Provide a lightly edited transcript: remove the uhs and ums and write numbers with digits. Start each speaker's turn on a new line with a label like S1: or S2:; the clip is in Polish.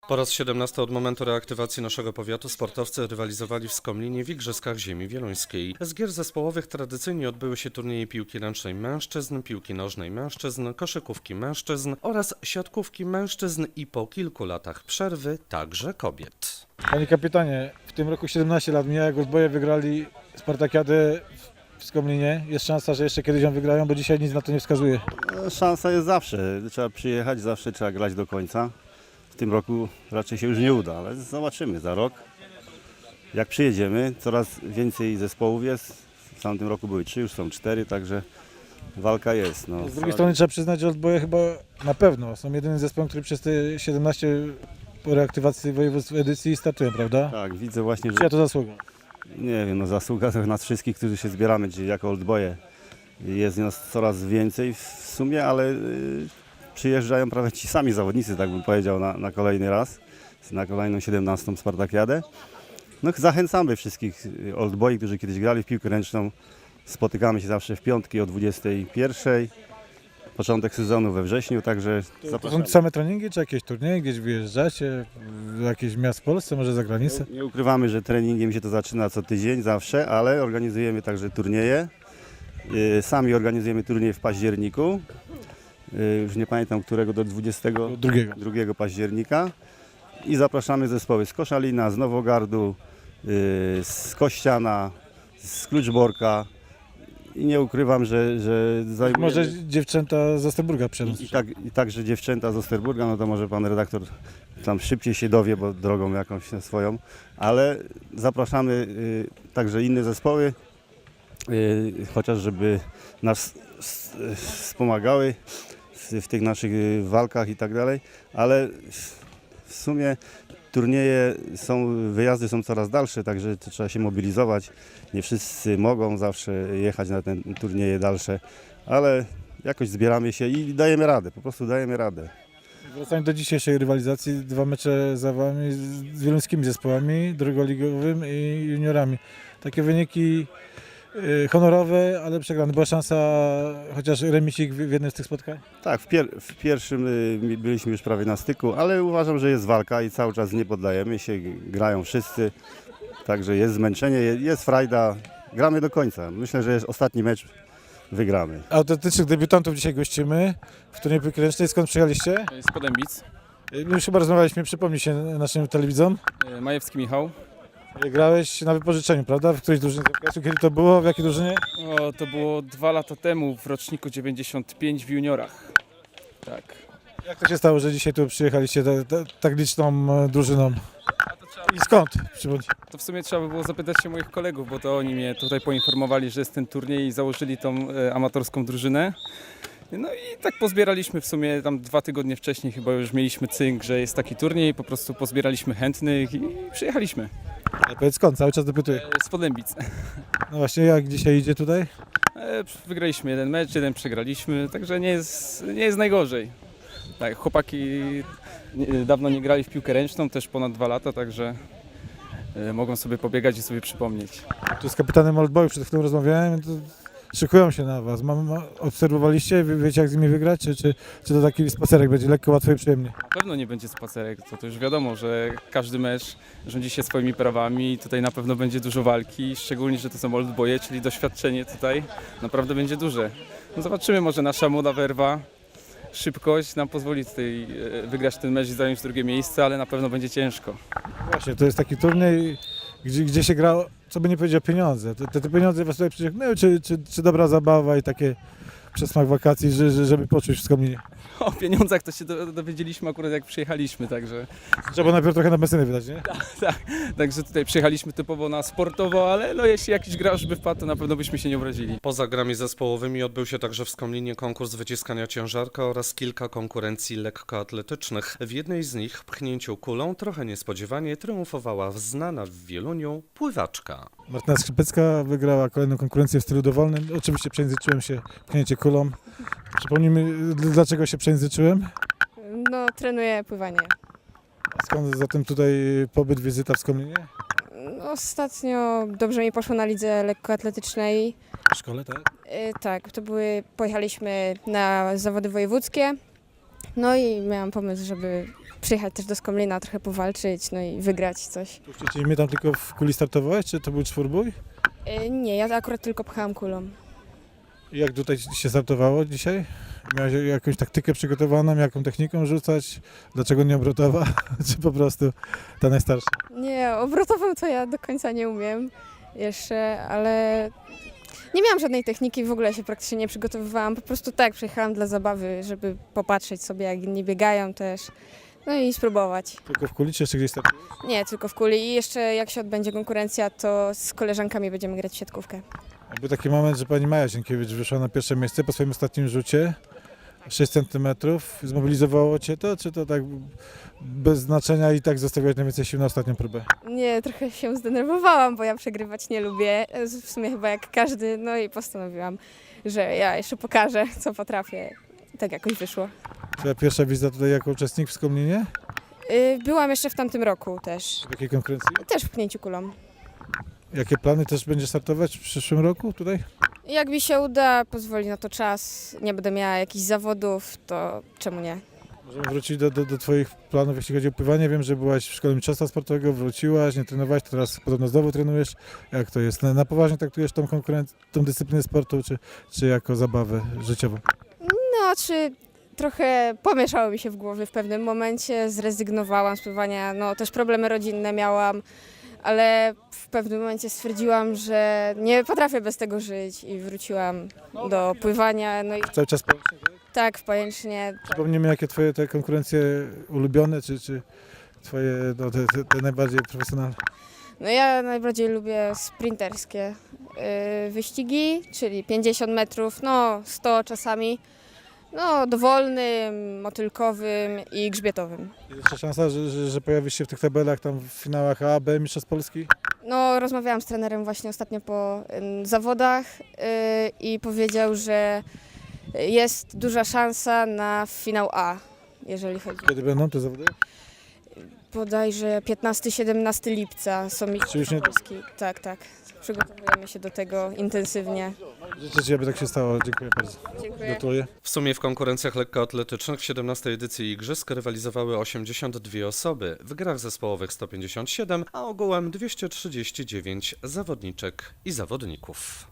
S1: Po raz 17 od momentu reaktywacji naszego powiatu sportowcy rywalizowali w Skomlinie w Igrzyskach Ziemi Wieluńskiej. Z gier zespołowych tradycyjnie odbyły się turnieje piłki ręcznej mężczyzn, piłki nożnej mężczyzn, koszykówki mężczyzn oraz siatkówki mężczyzn i po kilku latach przerwy także kobiet.
S2: Panie kapitanie, w tym roku 17 lat mija, jak Oldboye wygrali Spartakiadę w Skomlinie. Jest szansa, że jeszcze kiedyś ją wygrają, bo dzisiaj nic na to nie wskazuje.
S3: Szansa jest zawsze, trzeba przyjechać, zawsze trzeba grać do końca. W tym roku raczej się już nie uda, ale zobaczymy za rok. Jak przyjedziemy, coraz więcej zespołów jest. W tamtym roku były 3, już są 4, także walka jest. No.
S2: Z drugiej strony trzeba przyznać, że Oldboye chyba na pewno są jedynym zespołem, który przez te 17 po reaktywacji województw edycji startują, prawda?
S3: Tak, widzę właśnie, że
S2: Czyja to zasługa?
S3: nie wiem, no zasługa to nas wszystkich, którzy się zbieramy, czyli jako Oldboye. Jest nas coraz więcej w sumie, ale przyjeżdżają prawie ci sami zawodnicy, tak bym powiedział, na kolejny raz, na kolejną 17. Spartakiadę. No, zachęcamy wszystkich Oldboy, którzy kiedyś grali w piłkę ręczną. Spotykamy się zawsze w piątki o 21:00. Początek sezonu we wrześniu, także
S2: To
S3: zapraszamy.
S2: są same treningi, czy jakieś turnieje, gdzieś wyjeżdżacie, w jakieś miast w Polsce, może za granicę?
S3: Nie ukrywamy, że treningiem się to zaczyna co tydzień zawsze, ale organizujemy także turnieje. Sami organizujemy turniej w październiku. Już nie pamiętam którego, do 22 października. I zapraszamy zespoły z Koszalina, z Nowogardu, z Kościana, z Kluczborka. I nie ukrywam, że zajmujemy...
S2: Może dziewczęta z Osterburga przyjadą.
S3: I także dziewczęta z Osterburga, no to może pan redaktor tam szybciej się dowie, bo drogą jakąś swoją, ale zapraszamy także inne zespoły, chociaż żeby nas wspomagały w tych naszych walkach i tak dalej, ale w sumie turnieje wyjazdy są coraz dalsze, także to trzeba się mobilizować. Nie wszyscy mogą zawsze jechać na te turnieje dalsze, ale jakoś zbieramy się i dajemy radę, po prostu dajemy radę.
S2: Wracając do dzisiejszej rywalizacji, 2 mecze za wami z wieluńskimi zespołami, drugoligowym i juniorami. Takie wyniki honorowe, ale przegrane. Była szansa chociaż remisik w jednym z tych spotkań?
S3: Tak, w pierwszym byliśmy już prawie na styku, ale uważam, że jest walka i cały czas nie poddajemy się, grają wszyscy, także jest zmęczenie, jest frajda, gramy do końca. Myślę, że jest ostatni mecz, wygramy.
S2: Autentycznych debiutantów dzisiaj gościmy w turnieju piłki ręcznej. Skąd przyjechaliście?
S4: Z Podębic.
S2: My już chyba rozmawialiśmy, przypomnij się naszym telewidzom.
S4: Majewski Michał.
S2: Grałeś na wypożyczeniu, prawda? W którejś drużynie? Kiedy to było? W jakiej drużynie?
S4: To było 2 lata temu, w roczniku 95 w juniorach. Tak.
S2: Jak to się stało, że dzisiaj tu przyjechaliście tak liczną drużyną? I skąd? Przypomnij.
S4: To w sumie trzeba by było zapytać się moich kolegów, bo to oni mnie tutaj poinformowali, że jest ten turniej i założyli tą amatorską drużynę. No i tak pozbieraliśmy w sumie tam 2 tygodnie wcześniej, chyba już mieliśmy cynk, że jest taki turniej, po prostu pozbieraliśmy chętnych i przyjechaliśmy.
S2: Ale powiedz skąd? Cały czas dopytuję.
S4: Z Podębic.
S2: No właśnie, jak dzisiaj idzie tutaj?
S4: Wygraliśmy jeden mecz, jeden przegraliśmy, także nie jest najgorzej. Tak, chłopaki dawno nie grali w piłkę ręczną, też ponad 2 lata, także mogą sobie pobiegać i sobie przypomnieć.
S2: Tu z kapitanem Oldboyu przed chwilą rozmawiałem, to szykują się na was. Obserwowaliście? Wiecie jak z nimi wygrać? Czy to taki spacerek będzie lekko, łatwo i przyjemnie?
S4: Na pewno nie będzie spacerek, to już wiadomo, że każdy mecz rządzi się swoimi prawami i tutaj na pewno będzie dużo walki, szczególnie, że to są Oldboye, czyli doświadczenie tutaj naprawdę będzie duże. No zobaczymy, może nasza młoda werwa, szybkość nam pozwoli tutaj wygrać ten mecz i zająć drugie miejsce, ale na pewno będzie ciężko.
S2: Właśnie, to jest taki turniej, gdzie się gra, co by nie powiedział, pieniądze. Te pieniądze was tutaj przyciągnęły, czy dobra zabawa i takie przesmak wakacji, żeby poczuć w Skomlinie?
S4: O pieniądzach to się dowiedzieliśmy akurat jak przyjechaliśmy, także
S2: Trzeba najpierw trochę na benzyny wydać, nie?
S4: Także tutaj przyjechaliśmy typowo na sportowo, ale no jeśli jakiś gracz by wpadł, to na pewno byśmy się nie obrazili.
S1: Poza grami zespołowymi odbył się także w Skomlinie konkurs wyciskania ciężarka oraz kilka konkurencji lekkoatletycznych. W jednej z nich, pchnięciu kulą, trochę niespodziewanie triumfowała znana w Wieluniu pływaczka.
S2: Martyna Skrzypecka wygrała kolejną konkurencję w stylu dowolnym. Oczywiście przejęzyczyłem się pchnięcie kulą. Przypomnijmy, dlaczego się przejęzyczyłem?
S5: No, trenuję pływanie.
S2: Skąd zatem tutaj pobyt, wizyta w Skomlinie?
S5: Ostatnio dobrze mi poszło na lidze lekkoatletycznej.
S2: W szkole, tak?
S5: Tak, pojechaliśmy na zawody wojewódzkie. No i miałam pomysł, żeby przyjechać też do Skomlina, trochę powalczyć, no i wygrać coś.
S2: Puścicie mnie tam tylko w kuli startowałeś, czy to był czwórbój?
S5: Nie, ja akurat tylko pchałam kulą.
S2: I jak tutaj się startowało dzisiaj? Miałeś jakąś taktykę przygotowaną, jaką techniką rzucać? Dlaczego nie obrotowa? Czy po prostu ta najstarsza?
S5: Nie, obrotową to ja do końca nie umiem jeszcze, ale nie miałam żadnej techniki, w ogóle się praktycznie nie przygotowywałam. Po prostu tak, przyjechałam dla zabawy, żeby popatrzeć sobie, jak inni biegają też. No i spróbować.
S2: Tylko w kuli, czy jeszcze gdzieś startujesz?
S5: Nie, tylko w kuli. I jeszcze jak się odbędzie konkurencja, to z koleżankami będziemy grać w siatkówkę.
S2: Był taki moment, że pani Maja Sienkiewicz wyszła na pierwsze miejsce po swoim ostatnim rzucie. 6 cm. Zmobilizowało cię to, czy to tak bez znaczenia i tak zostawiać najwięcej sił na ostatnią próbę?
S5: Nie, trochę się zdenerwowałam, bo ja przegrywać nie lubię. W sumie chyba jak każdy. No i postanowiłam, że ja jeszcze pokażę, co potrafię. I tak jakoś wyszło.
S2: Twoja pierwsza wizyta tutaj jako uczestnik w Skomlinie?
S5: Byłam jeszcze w tamtym roku też.
S2: W jakiej konkurencji?
S5: Też w pchnięciu kulą.
S2: Jakie plany też będziesz startować w przyszłym roku tutaj?
S5: Jak mi się uda, pozwoli na to czas, nie będę miała jakichś zawodów, to czemu nie?
S2: Możemy wrócić do Twoich planów, jeśli chodzi o pływanie. Wiem, że byłaś w szkole mistrzostwa sportowego, wróciłaś, nie trenowałaś, teraz podobno znowu trenujesz. Jak to jest? Na poważnie traktujesz tą dyscyplinę sportu, czy jako zabawę życiową?
S5: No, czy trochę pomieszało mi się w głowie w pewnym momencie, zrezygnowałam z pływania, no też problemy rodzinne miałam, ale w pewnym momencie stwierdziłam, że nie potrafię bez tego żyć i wróciłam do pływania, no i
S2: Cały czas pojęcie?
S5: tak, w Pajęcznie.
S2: Przypomnijmy, jakie Twoje te konkurencje ulubione, czy Twoje no, te najbardziej profesjonalne?
S5: No ja najbardziej lubię sprinterskie wyścigi, czyli 50 metrów, no 100 czasami, no dowolnym, motylkowym i grzbietowym.
S2: Jest jeszcze szansa, że pojawisz się w tych tabelach tam w finałach A, B, Mistrzostw Polski?
S5: No rozmawiałam z trenerem właśnie ostatnio po zawodach i powiedział, że jest duża szansa na finał A, jeżeli chodzi.
S2: Kiedy będą te zawody?
S5: Bodajże 15-17 lipca są
S2: Czy już
S5: Mistrzostwa
S2: nie-
S5: Polski. Tak, tak. Przygotowujemy się do tego intensywnie.
S2: Życzę Ci, aby tak się stało. Dziękuję bardzo.
S5: Dziękuję.
S2: Gratuluję.
S1: W sumie w konkurencjach lekkoatletycznych w 17. edycji igrzysk rywalizowały 82 osoby, w grach zespołowych 157, a ogółem 239 zawodniczek i zawodników.